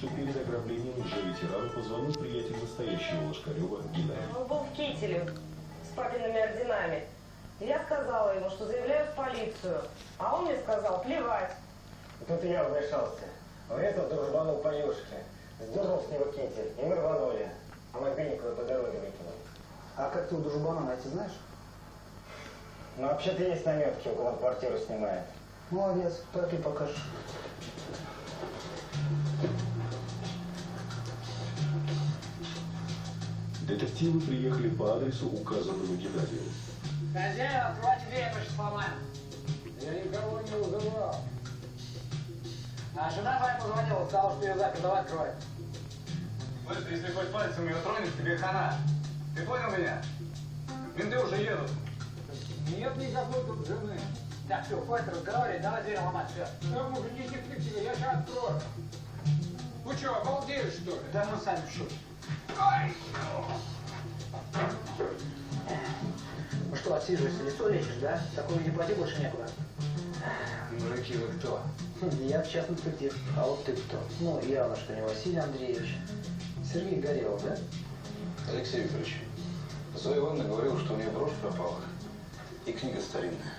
что перед ограблением лжеветеран позвонил приятель настоящего Лошкарева Геннадий. Он был в кителе с папиными орденами. Я сказала ему, что заявляю в полицию. А он мне сказал, плевать. Тут я вмешался. Врезал дружбану по юшке. Сдернул с него китель, и мы рванули. А мобильник вы по дороге выкинул. А как ты у дружбана найти знаешь? Ну, вообще-то есть наметки, у кого он квартиру снимает. Молодец, папе покажешь. Детективы приехали по адресу, указанному Геннадию. Хозяин, открывайте дверь, я сейчас сломаю. Я никого не вызывал. А жена твоя позвонила, сказала, что ее запер, давай открывай. Слышь, если хоть пальцем ее тронешь, тебе хана. Ты понял меня? Менты уже едут. Нет никакой тут жены. Так, все, хватит разговаривать, давай дверь ломать, все. Там уже не детективы, я сейчас открою. Вы что, обалдели, что ли? Да мы сами в шоке. Ну что, отсиживаешься, лицо лечишь, да? Такой не плати больше некуда. Мужики, вы кто? Я частный детектив. А вот ты кто? Ну, явно, что не Василий Андреевич. Сергей Горелов, да? Алексей Викторович, Зоя Ивановна говорила, что у нее брошь пропала. И книга старинная.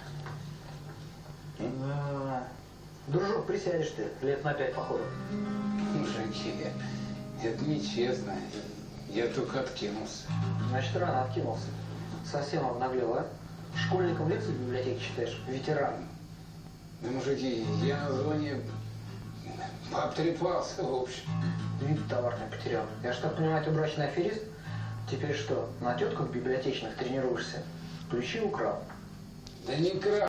Дружок, присядешь ты, лет на 5 походу. Мужики, это нечестно. Я только откинулся. Значит, рано откинулся. Совсем обнаглел, а? Школьником лекции в библиотеке читаешь? Ветеран. Да, мужики, я на зоне пообтрепался, в общем. Вид товарный потерял. Я ж так понимаю, ты брачный аферист? Теперь что, на тетках библиотечных тренируешься? Ключи украл? Да не крал.